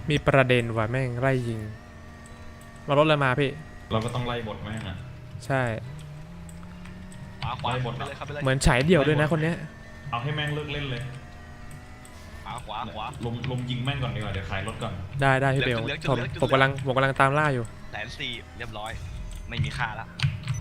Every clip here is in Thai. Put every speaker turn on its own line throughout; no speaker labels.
มีประเด็นว่ะแม่งไล่ยิงมารถอะไรมาพี่
เราก็ต้องไล่บทแม่งอ่ะ
ใช่
ขวาบทไปเลยครับไปเลย
เหมือนฉายเดี่ยวด้วยนะคนเนี้ย
เอาให้แม่งเลิกเล่นเลย
ขวา
ลมยิงแม่งก่อนดีกว่าเดี๋ยวขายรถก่อน
ได้พี่เบลผมกำลังตามล่าอยู่
140,000เรียบร้อยไม่มีค่าละ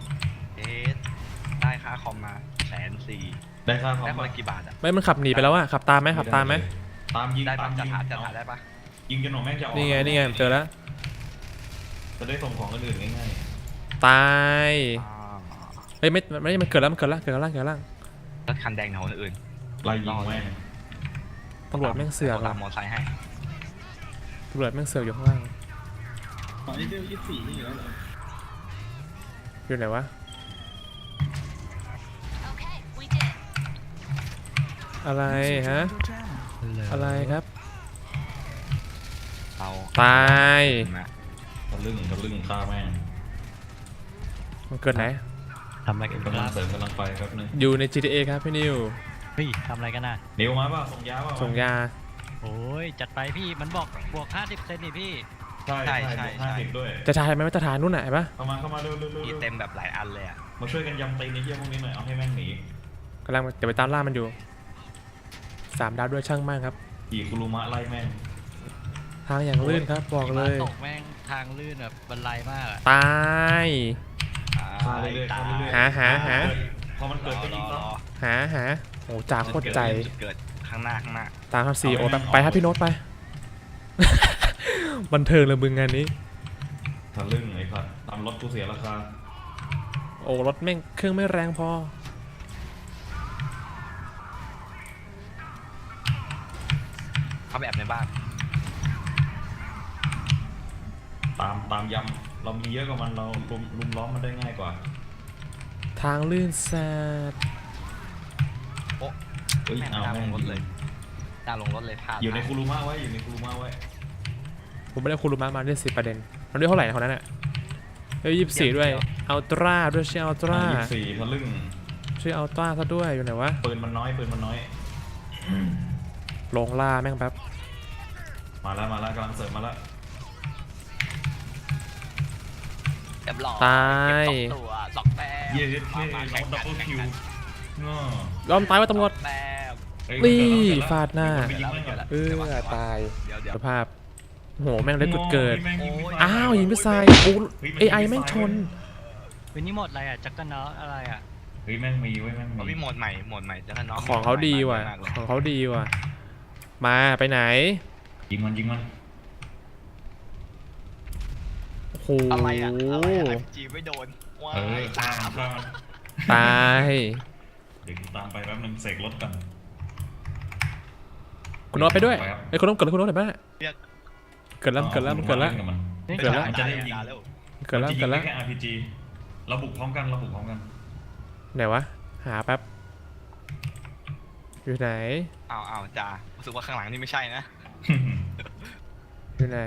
ได้ค่าคอมมา140,000
ได้ค่าคอม
ได้คนละกี่บาทอ่ะ
ไม่มันขับหนีไปแล้วอะขับตามไหม
ตามยิง
ได้
ตามยิง
จะถ่ายได้ปะ
ยิงจนหนูแม่งจะออก
นี่ไงเจอแล้ว
จะได้ส่งของคนอื่นง่าย
ตายเฮ้ยไม่มันเกิดแล้วเกิดล่าง
รถคันแดงของคนอื่น
ไล่ยิงแม่ง
ตำรวจแม่งเสือก
ตามมอไซค์ให้
ตำรวจแม่งเสือกอยู่ข้างล่าง
นี่เดือน24นี่อยู่แล้วเหรอ
อยู่ไหนวะอะไรฮะอะไรครับตาย
ทะลึ่งฆ่าแม่ง
มันเกิดไหน
ทำอะไรกัน
กำลังเสริมกำลังไปครับนึง
อยู่ใน GTA ครับพี่นิว
เฮ้ยทำอะไรกันน่ะ
นิวมาป่ะส่งยาป่ะ
ส่งยา
โอ้ยจัดไปพี่มันบอกบวก 50% นี่พี่
ใช่50ด้วย
จะถ่ายไหมว่าจะถ่ายนู่นไหนปะ
เข้ามาเร็ว
เต็มแบบหลายอันเลยอ่ะ
มาช่วยกันยำตีในเยี่ยพวกนี้หน่อยเอาให้แม่งหนี
กำลังจะไปตามล่ามันอยู่3 ดาวด้วยช่างมากครับ
ขี่คุรุมะไล่แม่ง
ทางอย่างลื่นครับบอกเลย
ตกแม่งทางลื่นแบบบันไลมาก
ตายหา
พอมันเกิดก็ยิงต่อ
หาโอ้จ่าโคตรใจ
เกิดข้างหน้า
ตามครับซีโอไปครับพี่โน้ตไปบันเทิงเลยมึงงานนี้
ทะลึ่งไอ้ผัดทำรถกูเสียราคา
โอ้รถแม่งเครื่องไม่แรงพอ
เขาแบบในบ้าน
ตามยำเรามีเยอะกว่ามันเราลุมล้อมมันได้ง่ายกว่า
ทางลื่นแซด
โอ้
ยเอาแม่ง
รถเลยตาลงรถเลยพา
อยู่ในคุรุมะไว้
ผมไม่ได้คุรุมะมาได้10 ประเด็นมันได้เท่าไหร่นะคนนั้นอ่ะ24ด้วยอัลตร้าด้วยชื่ออัลตร้า
24ทะลึ่ง
ชื่ออัลตร้าซะด้วยอยู่ไหนวะ
ปืนมันน้อย
ลงล่าแม่งแป๊บ
มาแล้วกำลังเสริมมาแล้ว
ตาย
2 แต้ม
เย้ดับเบิลคิว
ยอมตายว่าตำรวจนี่ฟาดหน้าตายสภาพโหแม่งได้เกิดอ้าวยิงไปใส่โอ้AIแม่งชน
วันนี้หมดอะไรอ่ะจักรเนาะอะไรอ่ะ
เฮ้ยแม่งมี
โหมดใหม่จักรเนาะ
ของเขาดีว่ะมาไปไหน
ยิงมัน
โอ้โห
อะไรจีไม่โดนว้าย
ตาย
เดี๋ยวตามไปแป๊บนึงเสกรถกัน
คุณโน้ตไปด้วยไอ้คุณโน้ตเกิดคุณโน้ตไหนบ้างเกิดแล้ว
มันจะได้ยิงเกิดแล้วแค่ RPG เราบุกพร้อมกัน
ไหนวะหาแป๊บอยู่ไหน
เอาจ่ารู้สึกว่าข้างหลังนี่ไม่ใช่นะ
อยู่ไหน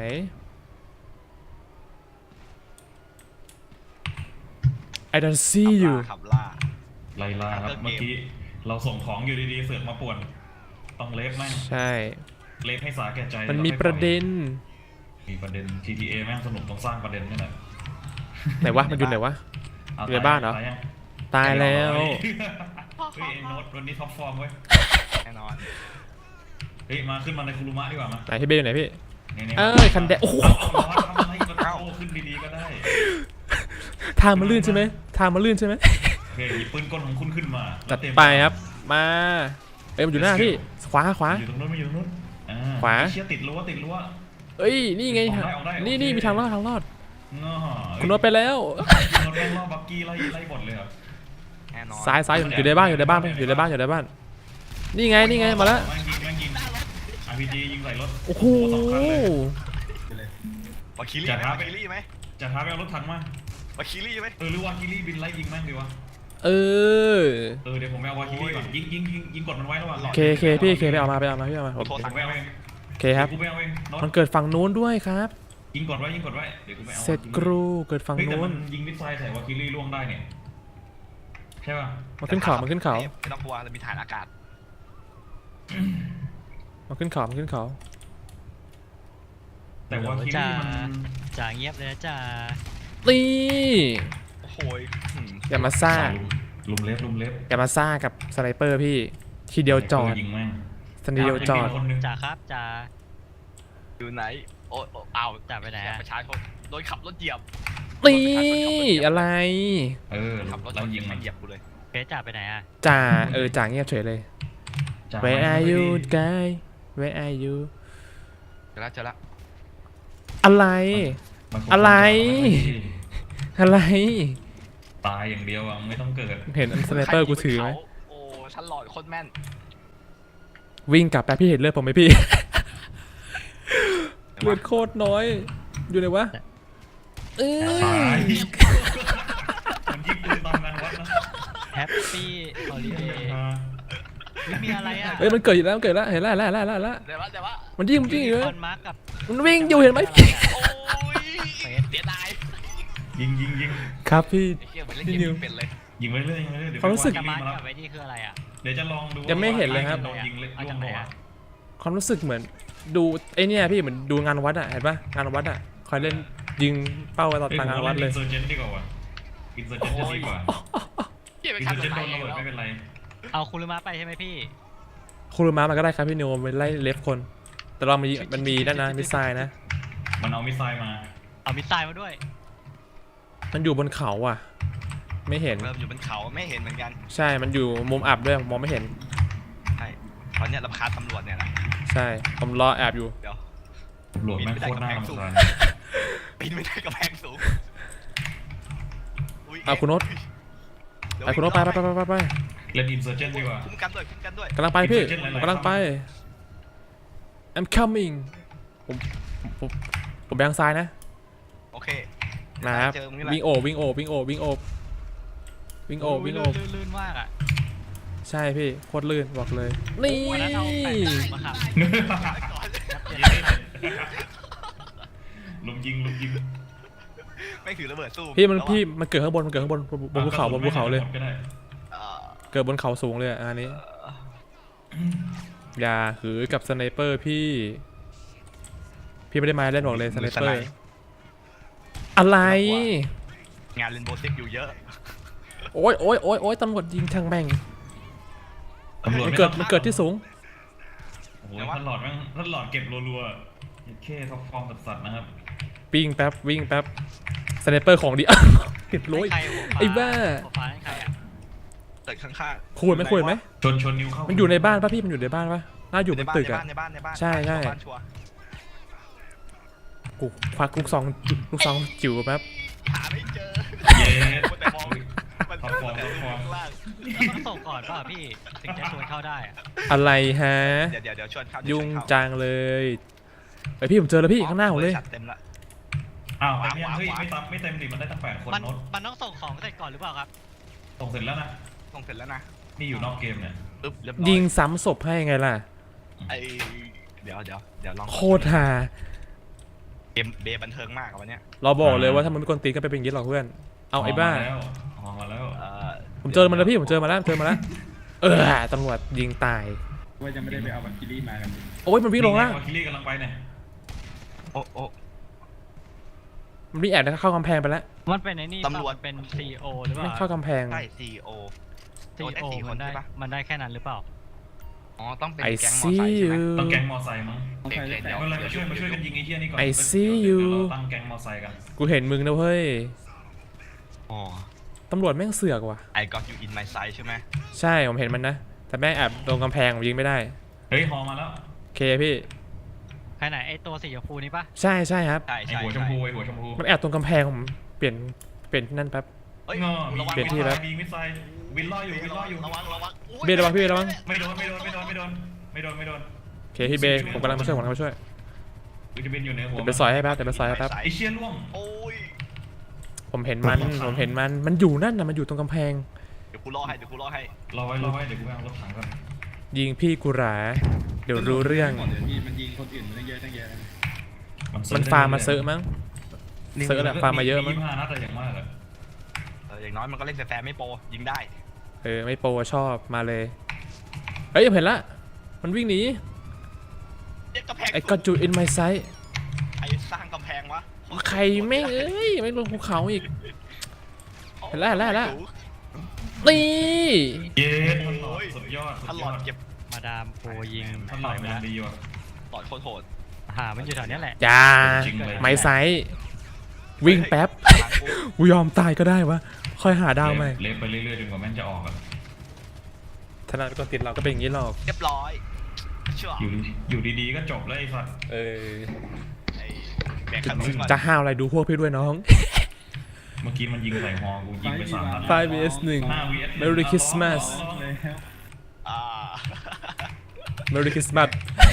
I don't see you
ขับล่า
ไล่ล่าครับเมื่อกี้เราส่งของอยู่ดีๆเสือกมาป่วนต้องเลฟแม่ง
ใช่
เลฟให้สาแก่ใจ
มันมีประเด็น
GTA แม่งสนุกต้องสร้างประเด็นนี่แหละ
ไหนวะมันอยู่ไหนวะอยู่ในบ้านเหรอตายแล้ว
เฮ้ยโน้ตวันนี้ท็อปฟอร์มเว้ย
แน่นอน
เฮ้ยมาขึ้นมาในคุรุมะดีกว่ามา
ไหนพี่เบลอยู่ไหนพี่คันแดงโอ้โห
ขึ้นดีๆก็ได้
ทางมันลื่นใช่ไหม
เฮ้ยปืนกลของคุณขึ้นมา
จัดไปครับมามันอยู่หน้าพี่ขวา
อยู่ตรงนู้น
ขวา
เชี่ยติดรั้ว
เอ้ยนี่ไงนี่มีทางรอดคุณโน้ตไปแล้ว
รถแม่งล่อบักกี้ไล่บอลเลยครับ
ซ้ายอยู่ในบ้านนี่ไงมาแล้ว
ยิง RPG ยิงใส่รถ
โอ้โห
วาคิลี่ไหม
จะท้าไปเอารถถังมาว
าคิลี่ไหม
หรือวาคิลี่บินไล่ยิงแม่งดีวะ
เ
ดี๋ยวผมไปเอาวาคิลี่ก่อนยิงกดมันไว้ระหว่าง
เคพี่ไปเอามาพี่เอามาเคครับมันเกิดฝั่งนู้นด้วยครับ
ยิงกดไว้เดี๋ยวกูไปเอา
เสร็จกรูเกิดฝั่งนู้น
ยิงมิสไซล์ใส่วาคิลี่ล่วงได้เนี่ยใช่ป่ะ
มันขึ้นเขา
ไม่ต้องกลัวเรามีฐานอากาศ
มันขึ้นเขา
แต่ว่าคิรี่มัน
จ่าเงียบเลยนะจ่า
นี่
โอ้โหย
อย่ามาซ่า
ลุมเล็บ
อย่ามาซ่ากับสไนเปอร์พี่ทีเดียวจอด
ยิงแม่ง
ทีเดียวจอด
คนหนึง
จ่าครับจ่า
อยู่ไหนโอ้อ้าว
จ่าไปไหนอะ
ประชาชนโดนขับรถเหยียบ
นี่อะไร
ขับรถช
เรา
น
ยิงมัน
เหยียบกูเลย
เพชรจ่าไปไหนอะ
จ่าจ่าเงียบเฉยเลย
จ่า
Where are you guy Where are you
เจอละ
อะไร
มันคง
อะไร อะไร
ตายอย่างเดียวอ่ะไม่ต้องเกิด
เห็นสไนเปอร์กูถือไหม
โอ้ฉันหลอดโคตรแม่น
วิ่งกลับไปพี่เห็นเลือดผมไหมพี่ เลือดโคตรน้อย อยู่ไหนวะเอ้
ตาย
ย
มันยิงปืนตอนนั้นวัดนะ
แฮปปี้ฮอลิเดย์ไม่มีอะไรอะ
เอ้ยมันเกิดอยู่แล้วมันเกิดแล้วเห็นแล้วแล้วแล้วแล้ว
เดี๋ยววะ
มันยิงอยู่
คอนมาร์กกับ
มันวิ่งอยู่เห็นไหม
โอ้ยเสียดาย
ยิง
ครับพี่
ไอ้เหี้ยเหมือนเล่นเกมเป็นเลย
ยิงไว้เรื่อยเดี๋ยว
ความรู้สึก
ไป
กับ
ว่
มาร์ก
มา
กับไว้นี่คืออะไรอะ
เดี๋ยวจะลองดู
ยังไม่เห็นเลยครับ
โดนยิงเละ
เอา
ล่ว
จาก
ง
ไหน
หัว
อะ
ความรู้สึกเหมือนดูไอเนี่ยพี่เหมือนดูงานวัดอะเห็นปะงานวัดอะคอยเล่นยิงเป้าไว้ตอนงานวัดเลย
อินเซอร์เจนดีกว่าอินเซอร์เจนจะดีกว่า
เหี้ยไป
อิน
ขั
เซ
บ
อร์
ร
เจน
ถ
โด
ไฟ
นระเบิดไม่เป็นไร
เอาคุรุมะไปใช่ไหมพี่
คูรุมะมันก็ได้ครับพี่นิวไปไล่เลฟคน แต่เรามันมีนั่นนะมิสไซล์นะ
มันเอามิสไซล์มา
เอามิสไซล์มาด้วย
มันอยู่บนเขาอ่ะ ไม่เห็น
เริ่มอยู่บนเขาไม่เห็นเหมือนกัน
ใช่มันอยู่มุมอับด้วยมองไม่เห็น
ใช่ตอนเนี้ยรำคาญตำรวจเนี่ยนะ
ใช่ผมรอแอบอยู่
เดี๋ยว
ตำรวจแม่งโคตรน่ารำคาญ
ปีนไม่ได้กับแพงสูงย
เอาคุณโน้ต
เดี๋ยว
ไปคุณโน้ตไป
เล่นอินเซอร์เจนดีกว่า
คุ้มกันด้วย
กำลังไปพี่
Insurgent หลายๆ
กำลังไป I'm coming ผมไปทางซ้ายนะ
โอเค
นะครับ
เจอมึงนี่แหละ
วิ่งโอบ
ลื่นมากอะ
ใช่พี่โคตรลื่นบอกเลย นี่
วันนั้นเอาแปะมาขับ
ลุมยิง
ไม่ถือระเบิดสู้
พี่มันเกิดข้างบนบนภูเขาเลย
ก็ได้
เอ่อ
เกิดบนเขาสูงเลยอันนี้ อย่าหือกับสไนเปอร์พี่ไม่ได้มาเล่นบอกเลยสไนเปอร์อะไร
งานเรนโบว์ซิกอยู่เยอะ
โอ้ยตำรวจยิงทางแม่ง
ตำรวจ
มัน
ไม่
เกิด
ต้อง
มันเกิดที่สูง
โอ้โหท่านหลอดเก็บรัวๆแค่ท็อปฟอร์มสัตว์นะครับ
วิ่งแป๊บสไนเปอร์ของดี เก็บร้อย
ใครหัวฟ้า
ไอ้บ้า
หัวฟ้าให้ใครอะ
ตึกข้างๆ
ควรไหม
ชนนิ้วเข้า
มันอยู่ในบ้านป่ะพี่มันอยู่ในบ้านป่ะน่าอยู่บนตึกอะ
ในบ้าน
ใช่
บ้านชัวร์
กูควักลูกซองจิ๋วแป๊บ
หาไม่เจอ
เย้
แต่มองมัน
ท็อปฟอร์ม
ข้างล่าง
ต้องส่งก่อนป่ะพี่ถึงจะชวนเข้าได้อะ
อะไรฮะ
เดี๋ยวชวนเข้า
ยุ่งจังเลยไอพี่ผมเจอแล้วพี่ข้างหน้าผมเลย
เต็มละ
อ้าวเต็มยังเฮ้ยไม่เต็มดิมันได้ตั้ง8 คน
มัน
โน้ต
มันต้องส่งของเสร็จก่อนหรือเปล่าครับ
ส่งเสร็จแล้วนะ
ส่งเสร็จแล้วนะ
นี่อยู่นอกเกมเนี่ย
ปึ๊บเรียบร้อย
ยิงซ้ำศพให้ไงล่ะ
ไอเดี๋ยวลอง
โคตรฮา
เกมเบย์บันเทิงมากอะวันเนี้ย
เราบอกเลยว่าถ้ามันไม่กวนตีนก็ไปเป็นอย่างนี้หรอกเพื่อนเอาไอ้บ้า
ออกมาแล้ว
ผมเจอมันแล้วพี่ผมเจอมาแล้วตำรวจยิงตาย
ว่าจะไม่ได้ไปเอาบัตรคิรี่มากัน
โอ้ยมันวิ่งลงล่าง
วาคิลี่กำลังไปเนี่ย
โอ้
มันวิ่งแอบเข้ากำแพงไปแล้ว
มันเป็นไอ้นี่
ตำรวจ
เป็น CEO หรือเป
ไม่
ล่า
เข้ากำแพง
ใช่ CEO โดนได้
CEO
สี่ค
มัน นได้
ใช่ปะ
มันได้แค่นั้นหรือเปล่า
อ๋อต้องเป็น
ไอ
แก๊งมอ
ซี
ไซค์ใช่ไหม
ยู
ต้องแก๊งมอไซค์มั้ง
ต้องใช้
เดี๋ยว
ไม่เป็นไรมาช่วยกันยิงไอ้เหี้ยนี่ก่อน
I see you
เดี๋ยวเราตั้งแก๊งมอไซค์กัน
กูเห็นมึงนะเว้ย
อ๋อ
ตำรวจแม่งเสือกว่ะ
I got you in my sight ใช่ไหม
ใช่ผมเห็นมันนะแต่แม่งแอบตรงกำแพงผมยิงไม่ได้
เฮ้ยฮอมาแล้ว
เคพี่
ใครไหนไอตัวสีชมพูนี่ปะ
ใช่ครับ
ใช่
ไอ
ใช่
หัวชมพูไอหัวชมพู
มันแอบตรงกำแพงผมเปลี่ยนที่นั่นแป๊บ
เฮ้ย
งอ
ระวัง
เปลี่ยนที่แล้ว
มีมิสไซล์วินล่ออยู่
ระวังอุ๊ย
เบย์ระวังพี่เบย์ระวัง
ไม่โดน
โอเคพี่เบย์ผมกำลังมาช่วย
วิตามินอยู่ในหัว
เดี๋ยวไปซอยให้แป๊บ
ไอเชี่ยล่วง
โอ้ย
ผมเห็นมันอยู่นั่นนะมันอยู่ตรงกำแพง
เดี๋ยวกูรอให้
รอไว้เดี๋ยวกูไปเอารถถังก่อน
ยิงพี่กูหราเดี๋ยวรู้เรื่อง
ก่อนเดี๋ยวพี่มันยิงคนอื่นตั้งเยอะเลย
มันฟาร์มมาเซอะมั้งเซอะแหละฟาร์มมาเยอะมั้ง
25 นัดอะไรอย่างมากอะ
อย่างน้อยมันก็เล่นแฟร์ไม่โปรยิงได้
ไม่โปรชอบมาเลยเฮ้ยเห็นละมันวิ่งหนี
เด็กกระแพง
ไอ้ก็จู in my sight
ไอ้งวะ
ใครไม่งเอ้ยไม่ลงภูเขาอีก เห็นแล้วนี่
เย้ท่านหลอดสุดยอด
ถ้าหลอดเก็บ
มาดามโปรยิง
ท่านหล
ต่
อ
อ
ด
ยไป
งา
แล้
น
ว
ดีว่ะ
หลอดโคตรโหด
มันอยู่แถวเนี้ยแหละ
จ้า
จริงเลย
ไม้ไซส์วิ่งแป๊บ
ทางกู
กูยอมตายก็ได้วะค่อยหาดาวใหม่
เล็บไปเรื่อยๆจนกว่าแม่งจะออกอะ
ธนาก็ติดเราก็เป็นอย่างนี้หรอก
เรียบร้อยเชื่อ
อยู่ดีๆก็จบแล้วไอ้สัตว์
เออ
ไอ้แบกขนมก่อน
จะห้าวอะไรดูพวกพี่ด้วยน้อง
เมื่อกี้มันยิงใส่ฮอกูยิงไป3 นัด
5 vs 1
5 vs 1
Merry Christmas
แล้ว
อ่า
Merry Christmas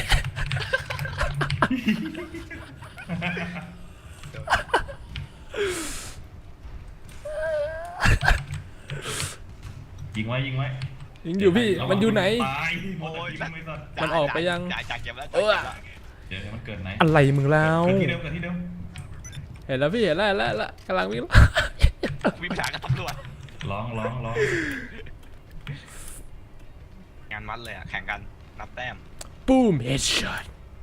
ยิงไว้ยิงไว้
ยังอยู่พี่มันอยู่ไหน
ตายโอ้ยไม่สัตว์
มันออกไปยัง
จ่ายเก็บแล้ว
เออ
เดี๋ยวมันเกิดไหน
อะไรมึงแล้ว
เกิดที่เดิมเกิดที่เดิม
เห็นแล้วพี่เห็นแล้วกำลังวิ่ง
มีปัญหากับตำรวจ
ร้อง
งานมัดเลยอ่ะแข่งกันนับแต้ม
ปุ้ม headshot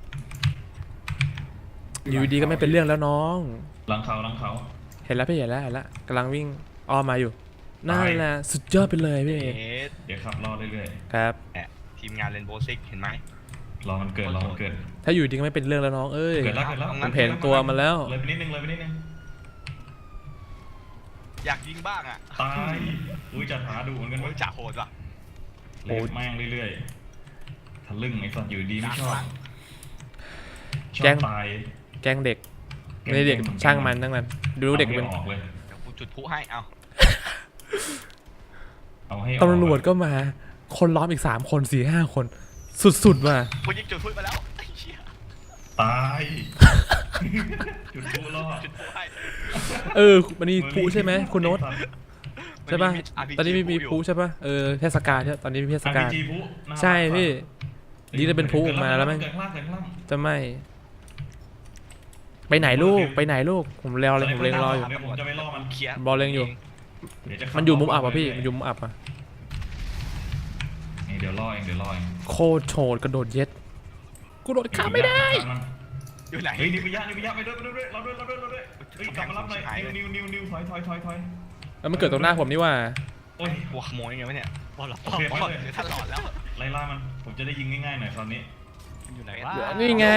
อยู่ดีก็ไม่เป็นเรื่องแล้วน้อง
หลังเขา
เห็นแล้วพี่เห็นแล้วกำลังวิ่งอ้อมมาอยู่นั่นแหละสุดยอดไปเลยพี่
เอส
เดี๋ยวขับรอเรื่อย
ครับ
ทีมงานเรนโบว์ซิกเห็นไหม
ๆรอมันเกิด
ถ้าอยู่ดีก็ไม่เป็นเรื่องแล้วน้องเอ้ย
เกิดแล้ว
ผมเห็นตัวมันแล้ว
เลยไปนิดนึง
อยากยิงบ้างอ่ะ
ตายอุ้ยจัดหาดูเหมือนกัน
โอ้
เว้
ย
ย
จ่าโหดว่ะ
เล็บแม่งเรื่อยๆทะลึ่งไอ้สัตว์อยู่ดีไม่ชอบชอบตาย
แกล้งเด็กไม่ได้เด็กช่างมันทั้งนั้นดูเด็กเป็น
อาให้ออกเลย
เดี๋ยวกูจุดพลุให้เอา
เอาให้ออก
ตำรวจก็มาคนล้อมอีก3 คน4-5 คนสุดๆว่ะ
กูยิงจุดพลุไปแล้วไอ้เหี้ย
ตายจุดพลุรอด
จุดพลุให้
มันมีพลุใช่ไหมคุณโน้ตใช่ป่ะตอนนี้มีพลุใช่ป่ะเทศกาลใช่ตอนนี้มีเทศกาล
RPG พลุน่ารัก
ใช่พี่ดีจะเป็นพลุออกมาแล้วไหม
เกิดข้างล่าง
จะไม่ไปไหนลูกผมเล็งรออยู่
เดี๋ยวผมจะไปล่อมัน
เคลียร์
บอลเล็งอยู่
เดี๋ยวจะขับ
มันอยู่มุมอับอ่ะพี่มันอยู่มุมอับอ่ะ
นี่เดี๋ยวล่อเอง
โคตรโฉดกระโดดเย็ดกูโดดข้ามไม่ได้
อยู่ไหน
เฮ้ยนิพยะไปด้วยเราด้วยเฮ้ยกลับมารับหน่อยนิวถอย
แล้วมันเกิดตรงหน้าผมนี่ว่า
โอ้ย
หัวขโมยไงวะเนี่ย
บอลหรอ
โอเคไปเลย
เดี๋ยวท่านหลอดแล้ว
ไล่ล่ามันผมจะได้ยิงง่ายๆหน่อยคราวนี้
อยู่ไหน
ว้า
นี่ไง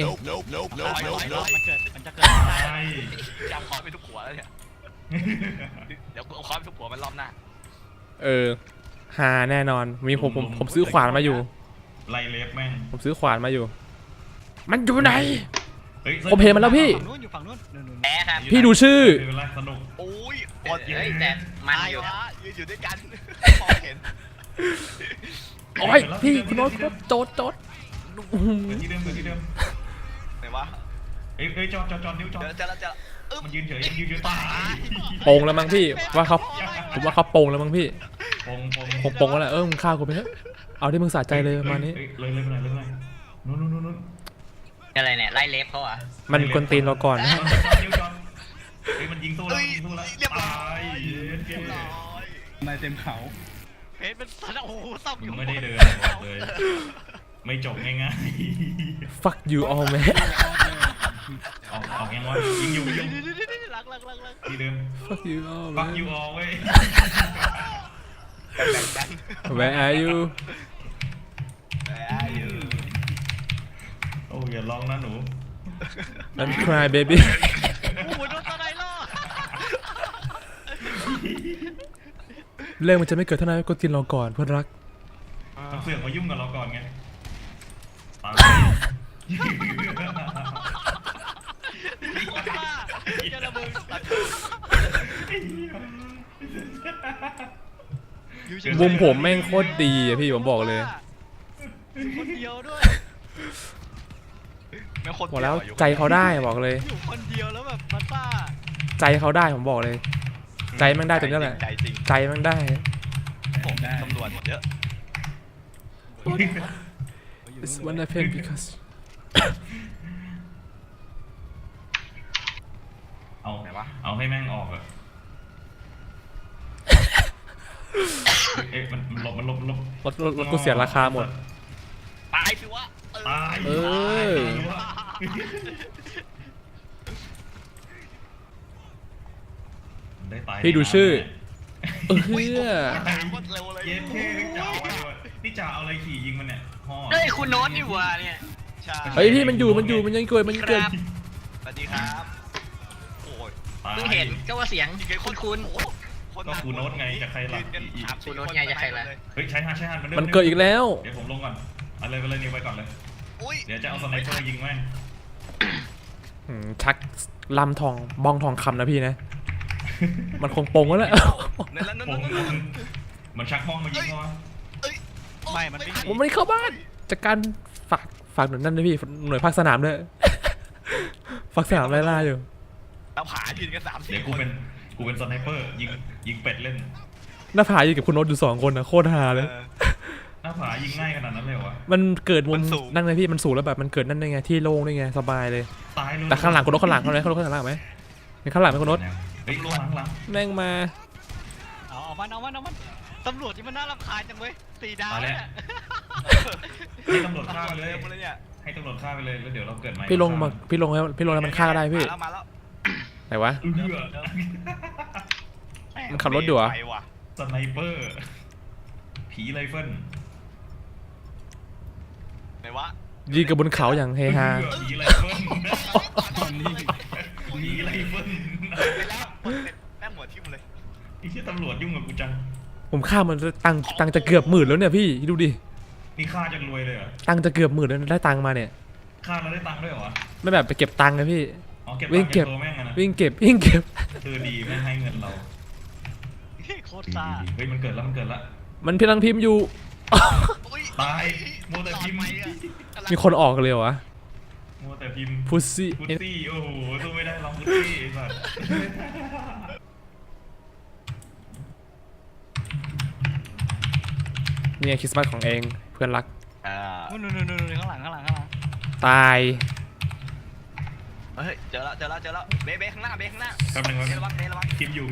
มันจะเกิด
ตาย
จำคอไปทุกหัวแล้วเนี่ยเดี๋ยวกูเอาคอไปทุกหัวมันรอบหน้า
หาแน่นอนมีผมซื้อขวานมาอยู่
ไล่เล็บแม่ง
ผมซื้อขวานมาอยู่ มันอยู่ไหน
เฮ้ย
ผมเห็นมันแล้วพี่
ฝั่งนู้นอยู่ฝั่งนู้นนู่น
แพ้ครับ
พี่ดูชื่อ
ไม่เป็นไรสนุก
โอ้ย
เฮ้ยแต่มันอยู่
ตายวะยืนอยู่ด้วยกันพอเห็น
โอ้ยพี่คุณโน้ตโจดอื้อหือ
เกิดที่เดิม
ไหนวะ
เอ้ยจอดนิ้วจอด
เจอแล้ว
มันยืนเฉยตาย
โปงแล้วมั้งพี่ว่าเขาผมว่าเขาโปงแล้วมั้งพี่
ปง
ผมโปงแล้วแหละมึงฆ่ากูไปเถอะเอาที่มึงสะใจเลยประมาณนี้
เลยไปไหนนู้น
อะไรเนี่ยไล่เล็บเขาเหรอ่ะ
มันกวนตีนเราก่อนนะ
นิ้วจอดเฮ้ยมันยิงสู้แล้วตาย
เรียบร้อย
นายเต็มเขา
เพชรเป็นสัตว์โอ้โหซ่อมอยู่
ไม่ได้เดินบอกเลยไม่จบง่าย
fuck you all man
ๆออกยังวะยิงอยู่
ลัก
ที่เดิม
fuck you all
ปัก
man
ยูออเว้ย
where are you
โอ้อย่าร้องนะหนู
don't cry baby
โอ้โหโดนตะไนล่อ
เรื่องมันจะไม่เกิดเท่านั้นกวนตีนเราก่อนเพื่อนรัก
เสือกมายุ่งกับเราก่อนไงตาย
จะระเบิด
มุมผมแม่งโคตรดีอะพี่ผมบอกเลย
คนเดียวด้วย
บอกแล้วใจเขาได้บอกเลย
อยู่คนเดียวแล้วแบบมันซ่า
ใจเขาได้ผมบอกเลย ใจแม่งได้ตรงนี้แหละ
ใจจริง
ใจแม่งได้
ผมตำรวจเยอะ
It's one of him because
เอา
ไหนวะ
เอาให้แม่งออกอะเอ๊ะมันหลบ
รถกูเสียราคาหมด
ตายสิวะ
ตาย
เออ
ได้ตาย
พี่ดูชื่อ เออ
ตามคนเร็วเลย
เย็นเท่นี่จ่าเอาอะไรนี่จ่าเอาอะไรขี่ยิงมันเนี่ยห่อ
เฮ้ยคุณโน้ตนี่หว่าเนี่ย
ใช่
เฮ้ยพี่มันยังเกิด
ครับ
สวัสดีครับโอ้ย
ตาย
เพิ่งเห็นก็ว่าเสียงคุ้น
ก็คูโน้ตไงจะใครล่ะ
คูโน้ตไงจะใครล่ะ
เฮ้ยใช้ฮัน
มันเกิดอีกแล้ว
เดี๋ยวผมลงก่อนเอาเลยไปเลยนิวไปก่อนเลย
อุ้ย
เดี๋ยวจะเอาสไนเปอร์ยิงแม่ง
ชักลำทองบ้องทองคำนะพี่นะ มันคงโปงแล้วแหละ
นั่นแล้วนั่น
ผม
นั่น
มันชักห้องมายิงเขาวะ
ไม่มันไม่
ผมไม่ได้เข้าบ้านจากการฝากหน่วยนั่นนะพี่หน่วยภาคสนามด้วยฝากสนามไล่ล่าอยู่
เราผายืนกัน3-4
เดี๋ยวกูเป็นสไนเปอร์ยิงเป็ดเล่น
หน้าผาอยู่กับคุณโน้ตอยู่2 คนนะโคตรฮาเลย
หน้าผายิงง่ายขนาดนั้นเลยเหรอวะ
มันเกิดมุมนั่นไงพี่มันสูงแล้วแบบมันเกิดนั่นได้ไงที่โล่งได้ไงสบายเลย
ตายเลย
แต่ข้างหลังคุณโน้ตข้างหลังเขาเลยข้างหลังไหมมีข้างหลังไหมคุณโน้ต
เฮ้ยข้างหลัง
แม่งมา
เอามันตำรวจที่มันน่ารำคาญจังเว้ย4 ดาว
มาแล้ว
เนี่ย
ให้ตำรวจฆ่าไปเลย
เร็วเลยเนี่ย
ให้ตำรวจฆ่าไปเลยแล้วเดี๋ยวเราเกิดใหม่
พี่ลงแล้วมันฆ่าก็ได้พี่
มาแล้ว
ไหนวะ
เอื้อ
มันขับรถอยู่เหรอ
ไปว่ะ
สไนเปอร์ผีไรเฟิล
ไหนวะ
ยิงกับบนเขาอย่างเฮฮา
ผีไรเฟิล
ตอนนี้
ผีไรเฟิล
ไปแล้วแม่งหัวทิ่มเลย
ไอ้ที่ตำรวจยุ่งกับกูจัง
ผมฆ่ามันตังค์จะเกือบ10,000แล้วเนี่ยพี่ดูดิ
นี่ฆ่าจนรวยเลยเหรอ
ตังค์จะเกือบ10,000แล้วได้ตังค์มาเนี่ย
ฆ่าแล้วได้ตังค์ด้วยเหรอ
ไม่แบบไปเก็บตังค์นะพี่
อ๋อเก็บ
วิ่
ตั
ง
งค์
เก็
เก็บบ ตัวแม่งอะนะ
วิ่งเก็บ
คือดีไม่ให้เงินเรา
โคตรซ่า
เฮ้ยมันเกิดแล้ว
มันพี่ลังพิมพ์อยู่
อุ้ย
ตายมัวแต่พิมพ์
มีคนออกเลยเหรอวะ
มัวแต่พิมพ์
พุซซี่
พุตตี้โอ้โหสู้ไม่ได้ลองพุตตี้ไอ้สัส
เนี่ยคริสต์มาสของเองเพื่อนรัก
นู่นข้างหลัง
ตาย
เฮ้ยเจอแล้วเบ๊ข้างหน้า
แป๊บนึง
ระวัง
พิมพ์อยู่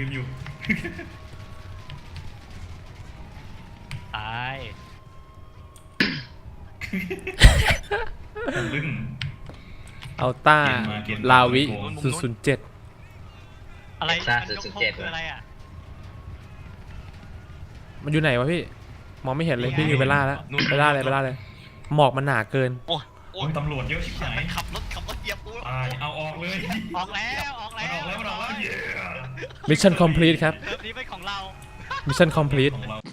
ตาย
ลึ่ง
อัลต้า
เกียรติมา
ลาวิ 007
อะไร
ซ่า
มันยกธง
007
คืออะไรอ่ะ
มันอยู่ไหนวะพี่ มองไม่เห็นเลยพี่อยู่ไปล่าแล้วไปล่าเลยหมอกมันหนาเกิน
โอ้
โอ้ยตำรวจเยอะชิบหาย
มันขับรถเหยียบกู
ตายเอาออกเลย
ออกแล้ว
มันออกแล้วเย้
มิชชั่นคอมพลีทครับ
เทปนี้เป็นของเรา
มิชชั่นคอมพลีท
ของเรา